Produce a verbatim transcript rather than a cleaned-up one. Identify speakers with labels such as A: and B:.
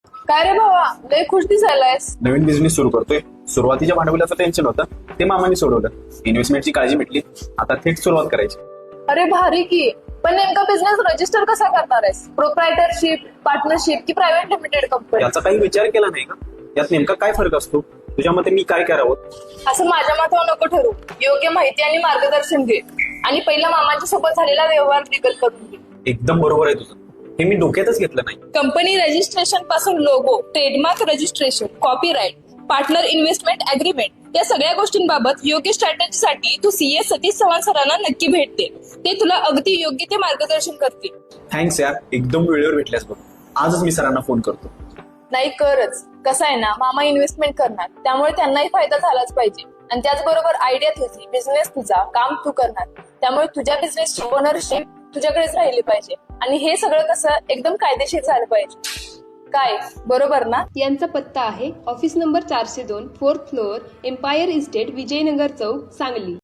A: काय रे भावा, लय खुश दिसायलायस.
B: नवीन बिझनेस सुरू करतोय. सुरुवातीच्या भांडवलाचं टेन्शन होतं, ते मामाने सोडवलं. इन्व्हेस्टमेंटची काळजी मिटली, आता थेट सुरुवात करायची.
A: अरे भारी की. पण नेमका बिझनेस रजिस्टर कसा करणार आहेस? प्रोप्रायटरशिप, पार्टनरशिप की प्रायव्हेट लिमिटेड कंपनी?
B: याचा काही विचार केला नाही का? यात नेमका काय फरक असतो? तुझ्या मते मी काय करावं?
A: असं माझ्या मतावर नको ठरू. योग्य माहिती आणि मार्गदर्शन घे आणि पहिला मामांच्या सोबत झालेला व्यवहार लिगल करून घे.
B: एकदम बरोबर आहे तुझं. हे मी डोक्यातच घेतलं नाही.
A: कंपनी रजिस्ट्रेशन पासून logo, trademark registration, copyright, partner investment agreement या सगळ्या गोष्टींबाबत योग्य स्ट्रॅटेजीसाठी तू सीए सतीश चव्हाण सरांना नक्की भेट दे. ते तुला अगदी योग्य ते मार्गदर्शन करतील.
B: थँक्स यार, एकदम वेळेवर भेटल्यास बघ. आजच मी सरांना फोन करतो.
A: नाही करच. कसं आहे ना, मामा इन्व्हेस्टमेंट करणार, त्यामुळे त्यांनाही फायदा झालाच पाहिजे. आणि त्याचबरोबर आयडिया तुझी, बिझनेस तुझा, काम तू करणार, त्यामुळे तुझ्या बिझनेसची ओनरशिप तुझ्याकडेच राहिली पाहिजे. आणि हे सगळं कसं एकदम कायदेशीर झालं पाहिजे. काय बरोबर ना?
C: यांचा पत्ता आहे ऑफिस नंबर चारशे दोन, fourth floor, Empire Estate, Vijaynagar Chowk, Sangli.